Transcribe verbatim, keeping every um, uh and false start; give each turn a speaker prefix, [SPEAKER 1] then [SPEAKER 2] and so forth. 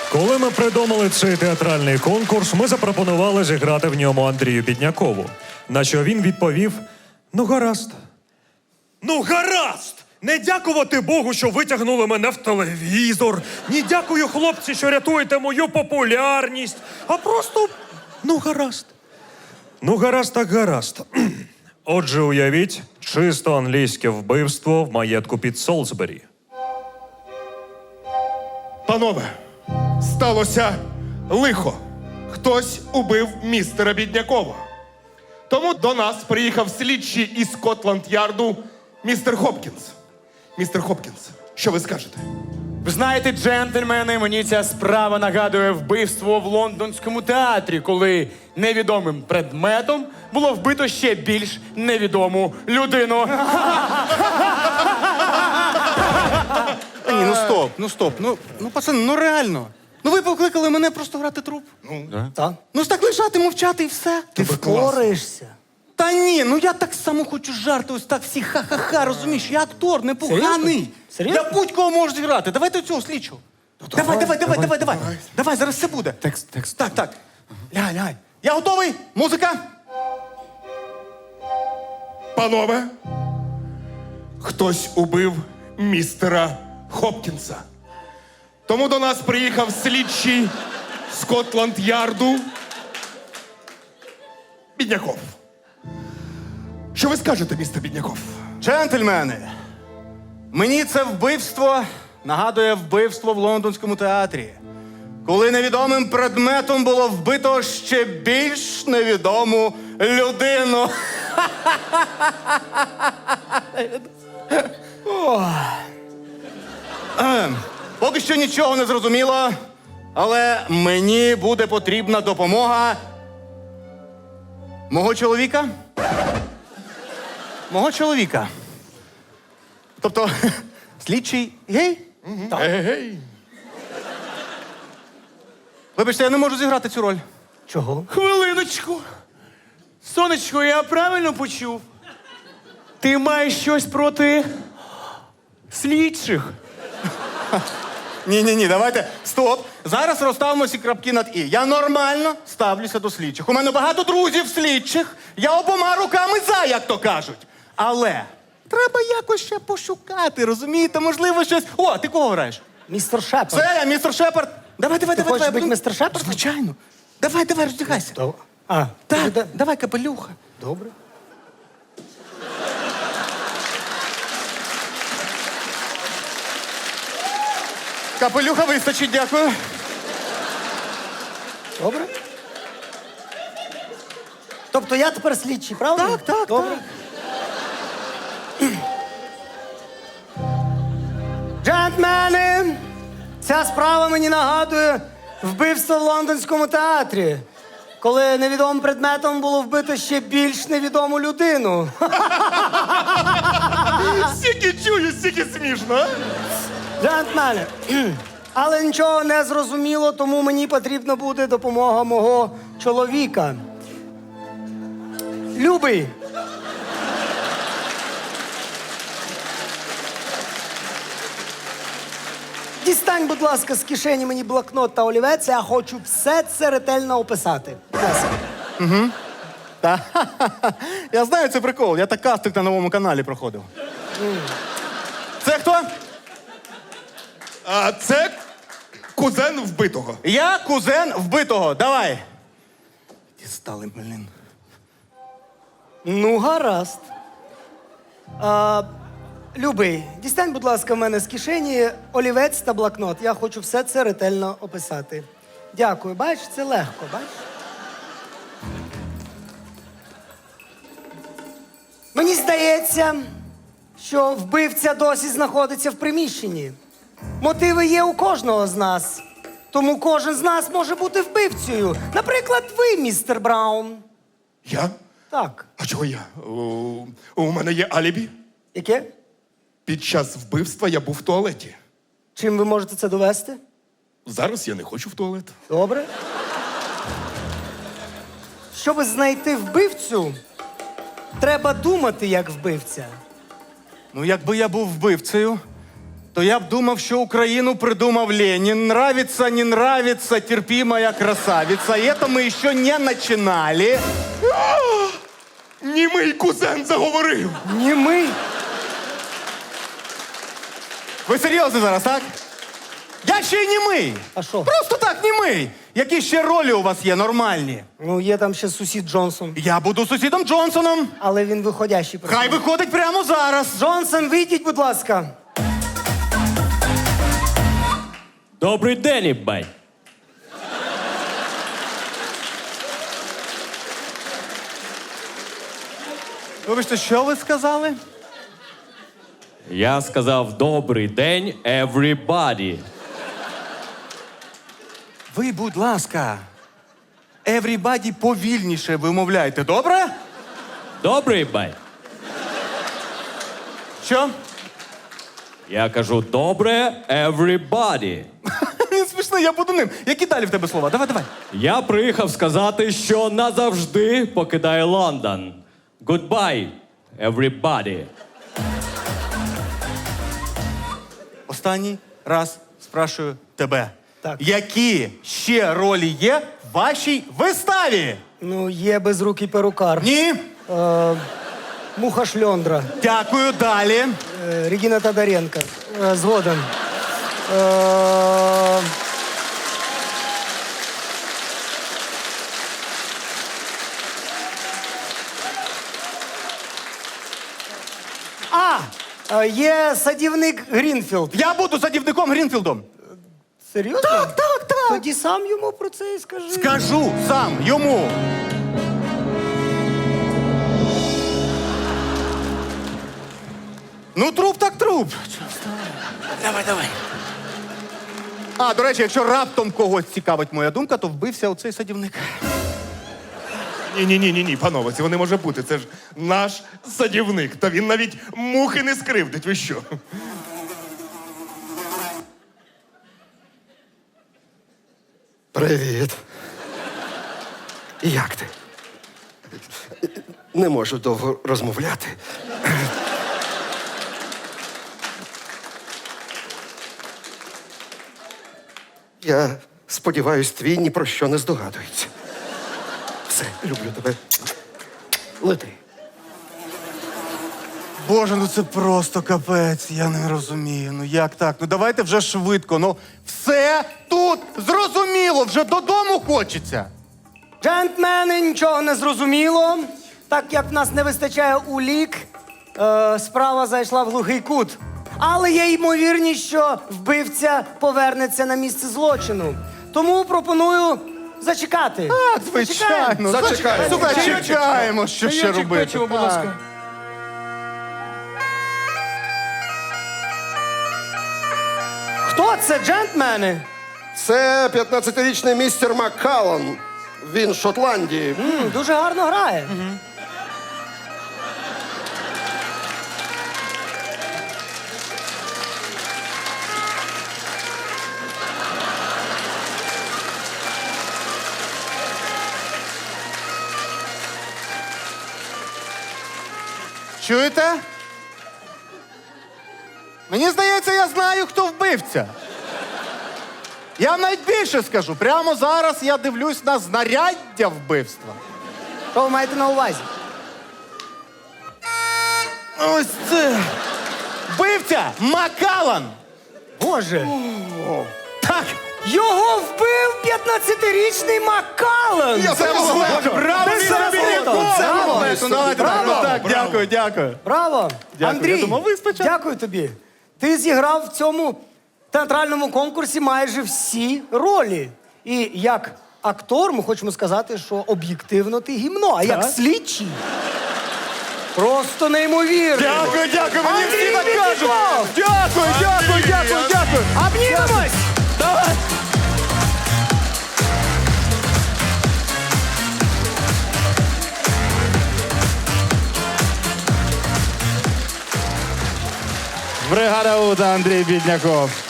[SPEAKER 1] Коли ми придумали цей театральний конкурс, ми запропонували зіграти в ньому Андрію Біднякову. На що він відповів: ну гаразд.
[SPEAKER 2] Ну, гаразд! Не дякувати Богу, що витягнули мене в телевізор. Не дякую, хлопці, що рятуєте мою популярність. А просто, ну, гаразд.
[SPEAKER 1] Ну гаразд так гаразд. Отже, уявіть, чисто англійське вбивство в маєтку під Солсбері.
[SPEAKER 3] Панове, сталося лихо. Хтось убив містера Біднякова. Тому до нас приїхав слідчий із Скотланд-Ярду містер Хопкінс. Містер Хопкінс, що ви скажете?
[SPEAKER 4] Ви знаєте, джентльмени, мені ця справа нагадує вбивство в лондонському театрі, коли невідомим предметом було вбито ще більш невідому людину.
[SPEAKER 5] Та ні, ну стоп, ну стоп, ну, ну пацани, ну реально. Ну ви покликали мене просто грати труп.
[SPEAKER 3] Ну,
[SPEAKER 6] Так.
[SPEAKER 5] Ну ж так лежати, мовчати і все.
[SPEAKER 6] Ти впораєшся.
[SPEAKER 5] Та ні, ну я так само хочу жарти, ось так всі ха-ха-ха, розумієш? Я актор, непоганий.
[SPEAKER 6] Серйозно?
[SPEAKER 5] Я будь-кого можу зіграти. Давайте цього слідчого. Давай, давай, давай, давай, давай. Давай, зараз все буде.
[SPEAKER 4] Текст, текст.
[SPEAKER 5] Так, так. Лягай, лягай. Я готовий. Музика.
[SPEAKER 3] Панове, хтось убив містера Хопкінса. Тому до нас приїхав слідчий Скотланд-Ярду Бідняков. Що ви скажете, містер Бідняков?
[SPEAKER 5] Джентльмени, мені це вбивство нагадує вбивство в лондонському театрі, коли невідомим предметом було вбито ще більш невідому людину. Ем, Поки що нічого не зрозуміло, але мені буде потрібна допомога мого чоловіка. Мого чоловіка. Тобто, слідчий гей?
[SPEAKER 3] Ей-гей.
[SPEAKER 5] Вибачте, я не можу зіграти цю роль.
[SPEAKER 6] Чого?
[SPEAKER 4] Хвилиночку. Сонечко, я правильно почув? Ти маєш щось проти слідчих?
[SPEAKER 5] Ні-ні-ні, давайте, стоп. Зараз розставимо всі крапки над «і». Я нормально ставлюся до слідчих. У мене багато друзів слідчих. Я обома руками за, як то кажуть. Але треба якось ще пошукати, розумієте? Можливо, щось... О, ти кого граєш?
[SPEAKER 6] Містер Шепард.
[SPEAKER 5] Це я, містер Шепард. Давай, давай,
[SPEAKER 6] Ти
[SPEAKER 5] давай.
[SPEAKER 6] хочеш
[SPEAKER 5] давай.
[SPEAKER 6] бути
[SPEAKER 5] будемо-
[SPEAKER 6] містер Шепардом?
[SPEAKER 5] Звичайно. Давай, давай, роздягайся.
[SPEAKER 6] То- А,
[SPEAKER 5] Так,
[SPEAKER 6] ти де-
[SPEAKER 5] давай, капелюха.
[SPEAKER 6] Добре.
[SPEAKER 5] Капелюха вистачить, дякую.
[SPEAKER 6] Добре. Тобто я тепер слідчий, правда?
[SPEAKER 5] Так, так,
[SPEAKER 6] Добре. Джентльмени, ця справа мені нагадує вбивство в лондонському театрі, коли невідомим предметом було вбито ще більш невідому людину.
[SPEAKER 3] Стільки чую, стільки смішно, а?
[SPEAKER 6] Джентльмени, але нічого не зрозуміло, тому мені потрібна буде допомога мого чоловіка. Любий. Дістань, будь ласка, з кишені мені блокнот та олівець, я хочу все це ретельно описати. Будь ласка.
[SPEAKER 5] Та, я знаю, це прикол. Я так кастинг на новому каналі проходив. Це хто?
[SPEAKER 3] А це кузен вбитого.
[SPEAKER 5] Я кузен вбитого. Давай. Дістали, блін.
[SPEAKER 6] Ну, гаразд. А, Любий, дістань, будь ласка, в мене з кишені олівець та блокнот. Я хочу все це ретельно описати. Дякую. Бачиш, це легко, бачиш? Мені здається, що вбивця досі знаходиться в приміщенні. Мотиви є у кожного з нас. Тому кожен з нас може бути вбивцею. Наприклад, ви, містер Браун.
[SPEAKER 3] Я?
[SPEAKER 6] Так.
[SPEAKER 3] А чого я? У, у мене є алібі.
[SPEAKER 6] Яке?
[SPEAKER 3] Під час вбивства я був в туалеті.
[SPEAKER 6] Чим ви можете це довести?
[SPEAKER 3] Зараз я не хочу в туалет.
[SPEAKER 6] Добре. Щоб знайти вбивцю, треба думати як вбивця.
[SPEAKER 5] Ну, якби я був вбивцею, то я б думав, що Україну придумав Ленін. Нравится, не нравится, терпимая красавица. И это мы еще не начинали.
[SPEAKER 3] Німий кузен заговорив.
[SPEAKER 6] Німий.
[SPEAKER 5] Ви серйозно зараз, так? Я ще й німий.
[SPEAKER 6] А що?
[SPEAKER 5] Просто так, німий. Які ще ролі у вас є нормальні?
[SPEAKER 6] Ну, є там ще сусід Джонсон,
[SPEAKER 5] Я буду сусідом Джонсоном.
[SPEAKER 6] але він виходящий.
[SPEAKER 5] Хай виходить прямо зараз.
[SPEAKER 6] Джонсон, вийдіть, будь ласка.
[SPEAKER 7] Добрий день, ібай.
[SPEAKER 5] Вибачте, що ви сказали?
[SPEAKER 7] Я сказав добрий день, everybody.
[SPEAKER 5] Ви, будь ласка, everybody повільніше вимовляйте, добре?
[SPEAKER 7] Добрий ібай.
[SPEAKER 5] Що?
[SPEAKER 7] Я кажу добре, everybody.
[SPEAKER 5] Він смішний, я буду ним. Які далі в тебе слова? Давай, давай.
[SPEAKER 7] Я приїхав сказати, що назавжди покидаю Лондон. Goodbye, everybody.
[SPEAKER 5] Останній раз спрашую тебе.
[SPEAKER 6] Так.
[SPEAKER 5] Які ще ролі є в вашій виставі?
[SPEAKER 6] Ну, є безрукий перукар.
[SPEAKER 5] Ні.
[SPEAKER 6] Муха Шльондра.
[SPEAKER 5] Дякую, далі.
[SPEAKER 6] Е, Регіна Тодоренко. Е, Згоден. Е, А! е, Є садівник Грінфілд.
[SPEAKER 5] Я буду садівником Грінфілдом.
[SPEAKER 6] Серйозно?
[SPEAKER 5] Так, так, так.
[SPEAKER 6] Тоді сам йому про це і скажи.
[SPEAKER 5] Скажу сам йому. Ну, труп так труп. Давай, давай. А, до речі, якщо раптом когось цікавить моя думка, то вбився оцей садівник.
[SPEAKER 3] Ні, ні, ні, ні, ні, панове, цього не може бути. Це ж наш садівник. Та він навіть мухи не скривдить. Ви що?
[SPEAKER 8] Привіт. Як ти? Не можу довго розмовляти. Я сподіваюсь, твій ні про що не здогадується. Все, люблю тебе. Лети.
[SPEAKER 5] Боже, ну це просто капець, я не розумію. Ну як так? Ну давайте вже швидко. Ну все тут зрозуміло, вже додому хочеться.
[SPEAKER 6] Джентльмени, нічого не зрозуміло. Так як в нас не вистачає улік, е, справа зайшла в глухий кут. Але є ймовірність, що вбивця повернеться на місце злочину. Тому пропоную зачекати.
[SPEAKER 5] Так, звичайно.
[SPEAKER 8] Зачекаємо.
[SPEAKER 5] Слухай, чекаємо, що ще робити.
[SPEAKER 4] будь ласка.
[SPEAKER 6] Хто це, джентльмени?
[SPEAKER 8] Це п'ятнадцятирічний містер Маккаллан. Він з Шотландії.
[SPEAKER 6] М, дуже гарно грає.
[SPEAKER 5] Чуєте? Мені здається, я знаю, хто вбивця. Я вам навіть більше скажу. Прямо зараз я дивлюсь на знаряддя вбивства.
[SPEAKER 6] Що ви маєте на увазі?
[SPEAKER 5] Ось це. Вбивця Маккаллан.
[SPEAKER 6] Боже,
[SPEAKER 5] Так.
[SPEAKER 6] його вбив п'ятнадцятирічний Маккаллан!
[SPEAKER 5] Це було браво,
[SPEAKER 6] Це
[SPEAKER 5] Віктор
[SPEAKER 6] фото,
[SPEAKER 5] Біляков!
[SPEAKER 6] це
[SPEAKER 5] Браво!
[SPEAKER 6] фото.
[SPEAKER 5] Ну, давайте так,
[SPEAKER 6] Браво!
[SPEAKER 5] ну, так, дякую, дякую.
[SPEAKER 6] Браво!
[SPEAKER 5] Дякую.
[SPEAKER 6] Андрій,
[SPEAKER 5] Я думав, ви спочатку.
[SPEAKER 6] дякую тобі. Ти зіграв в цьому театральному конкурсі майже всі ролі. І як актор ми хочемо сказати, що об'єктивно ти гімно, а як слідчий просто неймовірно.
[SPEAKER 5] Дякую, дякую, мені
[SPEAKER 6] Андрій
[SPEAKER 5] всі так кажуть.
[SPEAKER 6] Біляков!
[SPEAKER 5] Дякую, дякую, дякую, дякую.
[SPEAKER 6] Обнімемось!
[SPEAKER 5] Давай. Бригада Уда, Андрій Бідняков.